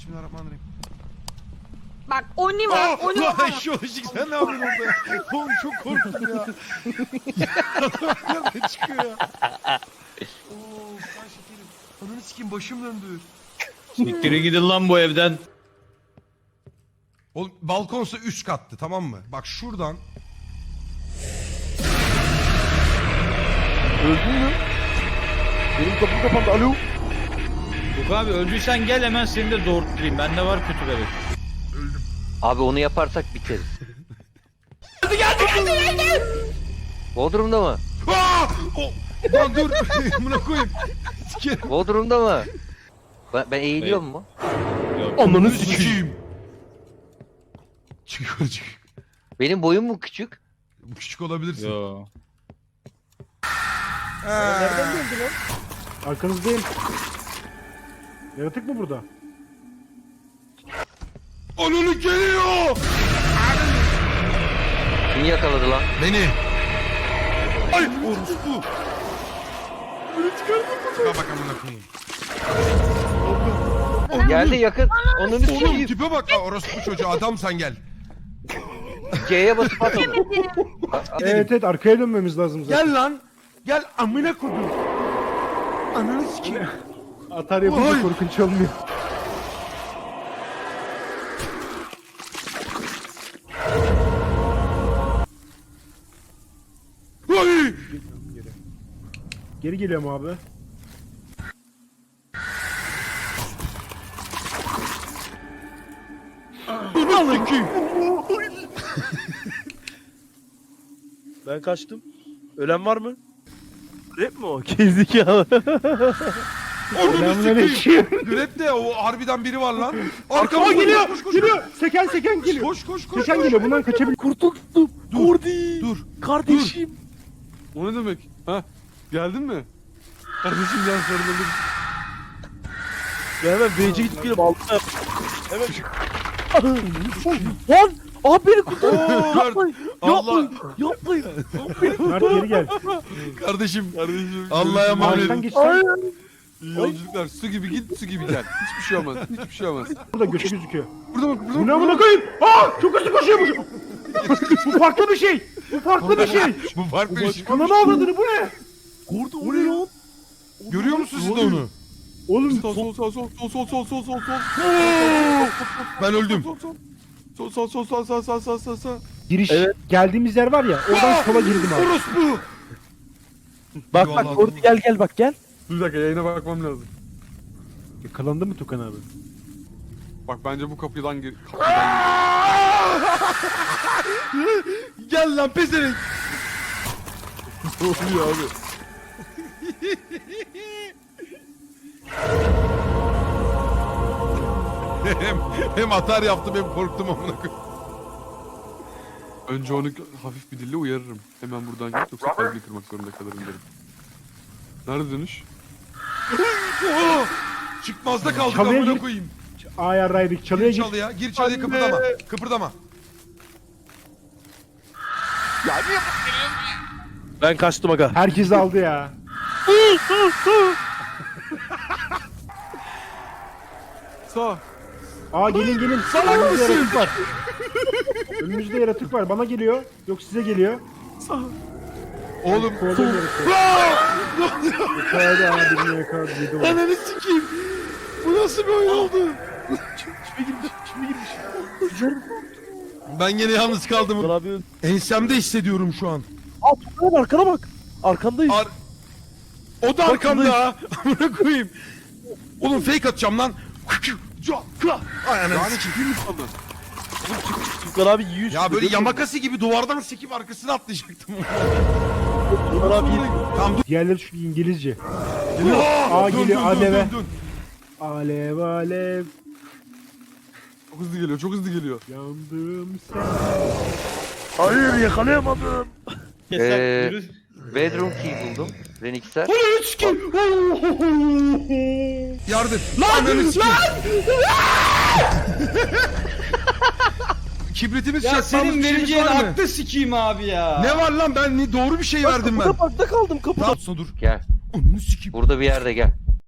Bismillahirrahmanirrahim. Bak Oni var. Oni Lan var. şu ışık sen ne yapıyorsun orada ya? Oğlum çok korktum ya. Nereden çıkıyor ya? Oo kan şekerim. Ananı sikeyim başım döndü. Siktirin gidin lan bu evden. Oğlum balkonsa üst kattı tamam mı? Bak şuradan. Öldün mü? Benim kapım kapandı. Alo. Yok abi öldüysen gel hemen seni de doğurtturayım. Bende var kötü bebek. Abi onu yaparsak biteriz. Geldi. Bodrum'da mı? Aa! Lan dur. Buna koyayım. Sikerim. Bodrum'da mı? Ben eğiliyor mu? Yok. Ananı sikeyim. Çık yukarı çık. Benim boyum mu küçük? Bu küçük olabilirsin. Yo. Nereden geldi lan? Arkanızdayım. Yaratık mı burada? Ananı geliyor. Kim yakaladı lan? Beni. Ay orospu. Çıkar bak amına koyayım. Geldi yakın. Onun Oğlum üstü tipe bak ha, orospu çocuğu adam sen gel. C'ye basıp at onu. Evet evet arkaya dönmemiz lazım zaten. Gel lan. Gel amına koydum. Ananı sikeyim. Atar yapınca Oy. korkunç olmuyor. Ay! Geri geliyorum abi. Ananı sikeyim. Ben kaçtım. Ölen var mı? Rap mi o? Gerizekalı. Ananı Selamünaleyküm. sikeyim. Grep de o harbiden biri var lan. Arkamda geliyor, koş, koş, koş. geliyor. Seken seken geliyor. Koş koş koş. Seken koş. geliyor. Bundan kaçabilir. Kurtuldum. Kordi. Dur. Kardeşim. O ne demek? Ha? Geldin mi? Kardeşim gel sarılalım. Ya hemen BC gidip gelip aldım. Hemen. Lan! Abi beni kurtar. Oo, Yapmayın. Allah. Yapmayın. Mert geri gel. Kardeşim. Kardeşim. Allah'a emanet. Ağaçtan geçsen İyi yolculuklar. Su gibi git, su gibi gel. Hiçbir şey olmaz. Hiçbir şey olmaz. burada göçü gözüküyor. Burada bak, burada Bu bak. ne amına koyayım? Aa çok hızlı koşuyormuş. Bu farklı bir şey. Bu farklı bir şey. Bu farklı bir şey. Ananı avradını bu ne? Kordi o ne lan? Görüyor musun siz de onu? Oğlum Sol sol sol sol sol sol sol sol sol. Ben öldüm. Sol sol sol sol sol sol sol sol sol. giriş Evet. geldiğimiz yer var ya oradan sola girdim abi. Orospu. Bak Eyvallah. bak Kordi gel bak gel. Dur bir dakika yayına bakmam lazım. Yakalandı mı Tukan abi? Bak bence bu kapıdan gir. Gel lan pezevenk. Ne oluyor abi? hem atar yaptım hem korktum amına koyayım. Önce onu hafif bir dille uyarırım. Hemen buradan git yoksa kalbini kırmak zorunda kalırım derim. Nerede dönüş? Oo! Çıkmazda kaldık Çalıya amına gir. koyayım. Ayarlaydık çalıya Gir gir. çalıya, gir çalıya Anne. kıpırdama. Kıpırdama. Ben kaçtım aga. Herkes aldı ya. Sağ. Aa gelin gelin. Önümüzde yaratık var. Önümüzde yaratık var. Bana geliyor. Yok size geliyor. Oğlum. Kovdum yaratığı. Yakaladı abi birini yakaladı. Yedi onu. Ananı sikeyim. Bu nasıl bir oyun oldu? Şimdi girmiş. Ben yine yalnız kaldım. Abi. Ensemde hissediyorum şu an. Aa Tukan'a bak, arkana bak. Arkandayız. O da arkamda ha. Amına koyayım. Oğlum fake atacağım lan. Ay ananı Yani sikeyim. ciddi mi sandın? Oğlum çık Tukan abi yiyor. Ya böyle yamakası gibi duvardan sekip arkasına atlayacaktım. Tukan abi Tamam dur. Diğerleri şu İngilizce. Aa, geliyor, aleve. dön. Alev alev. çok hızlı geliyor, çok hızlı geliyor. Yandım sen. Hayır yakalayamadım. Ee, Bedroom key buldum. Renix'e. Ananı sikeyim. Yardım. Lan ananı sikeyim. Kibritimiz Ya çakmamız senin bir şeyimiz vereceğin var mı? aklı sikeyim abi ya. Ne var lan ben doğru bir şey verdim ben. Kapıda kaldım kapıda. Tamam sonra dur. Gel. Ananı sikeyim. Burada bir yerde gel.